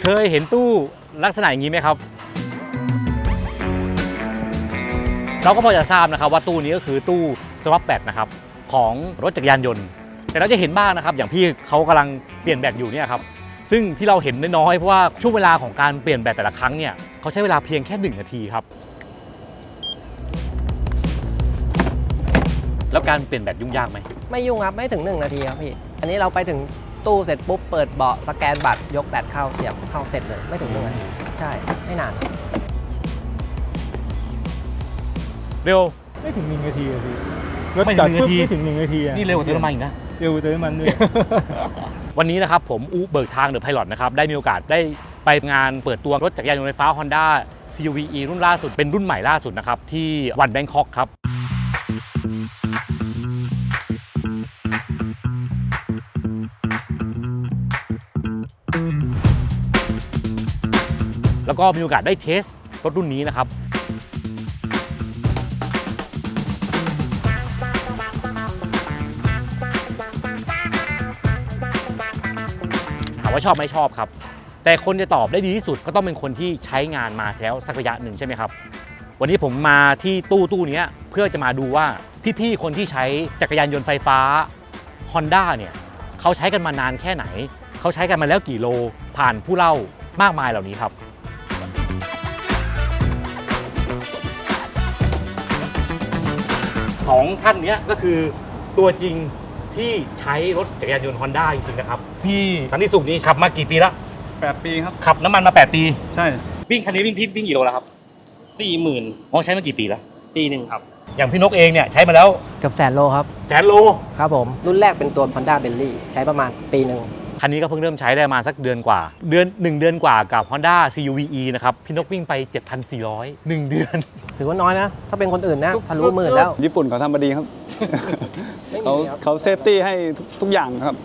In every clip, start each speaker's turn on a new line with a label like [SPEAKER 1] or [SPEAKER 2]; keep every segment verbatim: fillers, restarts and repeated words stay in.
[SPEAKER 1] เคยเห็นตู้ลักษณะอย่างนี้ไหมครับเราก็พอจะทราบนะครับว่าตู้นี้ก็คือตู้สวอปแบตนะครับของรถจักรยานยนต์แต่เราจะเห็นบ้างนะครับอย่างพี่เขากำลังเปลี่ยนแบตอยู่เนี่ยครับซึ่งที่เราเห็นน้อยๆเพราะว่าช่วงเวลาของการเปลี่ยนแบตแต่ละครั้งเนี่ยเขาใช้เวลาเพียงแค่หนึ่งนาทีครับแล้วการเปลี่ยนแบตยุ่งยากไหม
[SPEAKER 2] ไม่ยุ่งครับไม่ถึงหนึ่งนาทีครับพี่อันนี้เราไปถึงตู้เสร็จปุ๊บเปิดเบาะสแกนบัตรยกแบตเข้าเสียบเข้าเสร็จเลยไม่ถึงหนึ่งนาทีใช่ไม่นาน
[SPEAKER 1] เร็ว
[SPEAKER 3] ไม่ถึงหนึ่งนาทีอะพี่รถ
[SPEAKER 1] ไม่
[SPEAKER 3] จ
[SPEAKER 1] ถึ
[SPEAKER 3] อง ด
[SPEAKER 1] หนึ่ง
[SPEAKER 3] ปุ๊บ
[SPEAKER 1] นาที
[SPEAKER 3] ไม่ถึงหนึ่งนาทีอะ
[SPEAKER 1] นี่เร็วกว่าเติมน้ำมันอีกนะ
[SPEAKER 3] เร็วกว่าเติมน้ำมันด้วย
[SPEAKER 1] วันนี้นะครับผมอูเบิกทางเดอะไพลอตนะครับได้มีโอกาสได้ไปงานเปิดตัวรถจักรยานยนต์ไฟฟ้า Honda ซี ยู วี อี รุ่นล่าสุดเป็นรุ่นใหม่ล่าสุดนะครับที่วันแบงคอกครับแล้วก็มีโอกาสได้เทสรถรุ่นนี้นะครับถามว่าชอบไม่ชอบครับแต่คนจะตอบได้ดีที่สุดก็ต้องเป็นคนที่ใช้งานมาแล้วสักระยะหนึ่งใช่ไหมครับวันนี้ผมมาที่ตู้ตู้นี้เพื่อจะมาดูว่าพี่ๆคนที่ใช้จักรยานยนต์ไฟฟ้า Honda เนี่ยเขาใช้กันมานานแค่ไหนเขาใช้กันมาแล้วกี่โลผ่านผู้เล่ามากมายเหล่านี้ครับของท่านนี้ก็คือตัวจริงที่ใช้รถจักรยานยนต์ Honda จริงๆนะครับพี่สันติสุขนี่ขับมากี่ปีแล้ว
[SPEAKER 4] แปดปีครับ
[SPEAKER 1] ขับน้ำมันมาแปดปี
[SPEAKER 4] ใช่
[SPEAKER 1] วิ่งคันนี้วิ่งพี่วิ่งกี่โลแล้วครับ
[SPEAKER 4] สี่หมื่น
[SPEAKER 1] อ๋อใช้มากี่ปีแล้ว
[SPEAKER 4] ปีหนึ่งครับ
[SPEAKER 1] อย่างพี่นกเองเนี่ยใช้มาแล้ว
[SPEAKER 2] เกือบแสนโลครับ
[SPEAKER 1] แสนโล
[SPEAKER 2] ครับผมรุ่นแรกเป็นตัว Honda Bentley ใช้ประมาณปีหนึ่ง
[SPEAKER 1] คันนี้ก็เพิ่งเริ่มใช้ได้มาสักเดือนกว่าเดือนหนึ่งเดือนกว่ากับ Honda ซี ยู วี อี นะครับพี่นกวิ่งไป เจ็ดพันสี่ร้อย หนึ่งเดือน
[SPEAKER 2] ถือว่าน้อยนะถ้าเป็นคนอื่นนะทะลุหมื่นแล้ว
[SPEAKER 4] ญี่ปุ่นเขาทำมาดีครับเขาเขาเซฟตี้ให้ทุกอย่างครับ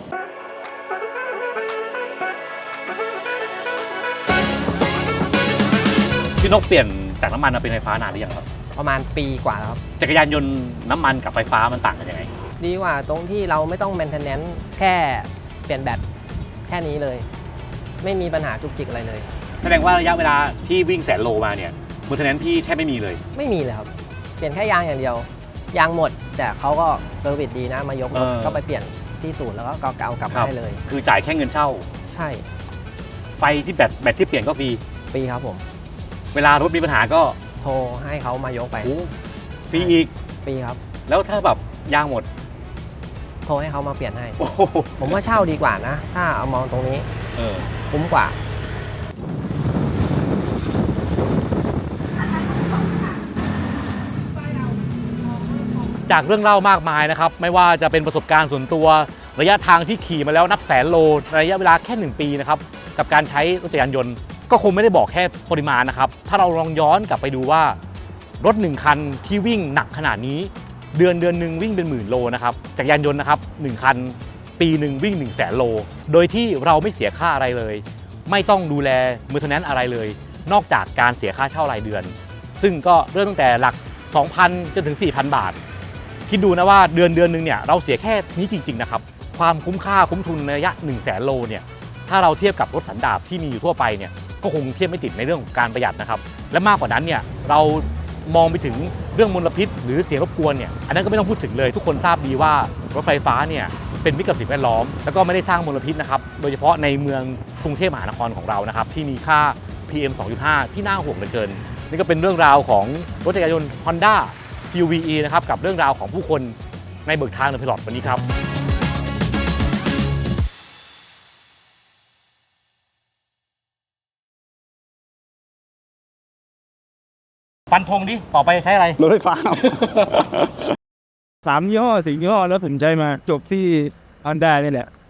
[SPEAKER 1] พี่นกเปลี่ยนจากน้ำมันมาเป็นไฟฟ้านานหรือยังครับ
[SPEAKER 2] ประมาณปีกว่าแล้วครับ
[SPEAKER 1] จักรยานยนต์น้ำมันกับไฟฟ้ามันต่างกันยังไง
[SPEAKER 2] ดีกว่าตรงที่เราไม่ต้องแมนเทนแนนซ์แค่เปลี่ยนแบตแค่นี้เลยไม่มีปัญหาจุกจิกอะไรเลย
[SPEAKER 1] แสดงว่าระยะเวลาที่วิ่งแสนโลมาเนี่ยมูลเทนแนนซ์พี่แทบไม่มีเลย
[SPEAKER 2] ไม่มีเลยครับเปลี่ยนแค่ยางอย่างเดียวยางหมดแต่เขาก็เซอร์วิสดีนะมายกก็ไปเปลี่ยนที่ศูนย์แล้วก็เก่ากลับมาให้เลย
[SPEAKER 1] คือจ่ายแค่เงินเช่า
[SPEAKER 2] ใช่
[SPEAKER 1] ไฟที่แบตแบตที่เปลี่ยนก็ฟรี
[SPEAKER 2] ฟรีครับผม
[SPEAKER 1] เวลารถมีปัญหาก็
[SPEAKER 2] โทรให้เขามายกไป
[SPEAKER 1] ฟรีอีก
[SPEAKER 2] ฟรีครับ
[SPEAKER 1] แล้วถ้าแบบยางหมด
[SPEAKER 2] โทรให้เขามาเปลี่ยนให้ผมว่าเช่าดีกว่านะถ้าเอามองตรงนี้
[SPEAKER 1] เออ
[SPEAKER 2] คุ้มกว่า
[SPEAKER 1] จากเรื่องเล่ามากมายนะครับไม่ว่าจะเป็นประสบการณ์ส่วนตัวระยะทางที่ขี่มาแล้วนับแสนโลระยะเวลาแค่หนึ่งปีนะครับกับการใช้รถจักรยานยนต์ก็คงไม่ได้บอกแค่ปริมาณนะครับถ้าเราลองย้อนกลับไปดูว่ารถหนึ่งคันที่วิ่งหนักขนาดนี้เดือนเดือนหนึ่งวิ่งเป็นหมื่นโลนะครับจักรยานยนต์นะครับหนึ่งคันปีหนึ่งวิ่งหนึ่งแสนโลโดยที่เราไม่เสียค่าอะไรเลยไม่ต้องดูแลมือเทนแนนซ์อะไรเลยนอกจากการเสียค่าเช่ารายเดือนซึ่งก็เริ่มตั้งแต่หลัก สองพัน จนถึง สี่พัน บาทคิดดูนะว่าเดือนเดือนนึงเนี่ยเราเสียแค่นี้จริงๆนะครับความคุ้มค่าคุ้มทุนในระยะหนึ่งแสนโลเนี่ยถ้าเราเทียบกับรถสันดาปที่มีอยู่ทั่วไปเนี่ยก็คงเทียบไม่ติดในเรื่องของการประหยัดนะครับและมากกว่านั้นเนี่ยเรามองไปถึงเรื่องมลพิษหรือเสียงรบกวนเนี่ยอันนั้นก็ไม่ต้องพูดถึงเลยทุกคนทราบดีว่ารถไฟฟ้าเนี่ยเป็นมิตรกับสิ่งแวดล้อมแล้วก็ไม่ได้สร้างมลพิษนะครับโดยเฉพาะในเมืองกรุงเทพมหานครของเรานะครับที่มีค่า พี เอ็ม สองจุดห้า ที่น่าห่วงเหลือเกินนี่ก็เป็นเรื่องราวของรถจักรยานยนต์ Honda ซี ยู วี อี นะครับกับเรื่องราวของผู้คนในเบิกทางเดอะไพลอตวันนี้ครับฟันธงดิต่อไปใช้อะไร
[SPEAKER 4] รถไฟฟ้า
[SPEAKER 3] สามยี่ห้อสี่ยี่ห้อแล้วผมใช้มาจบที่ Honda นี่แหละ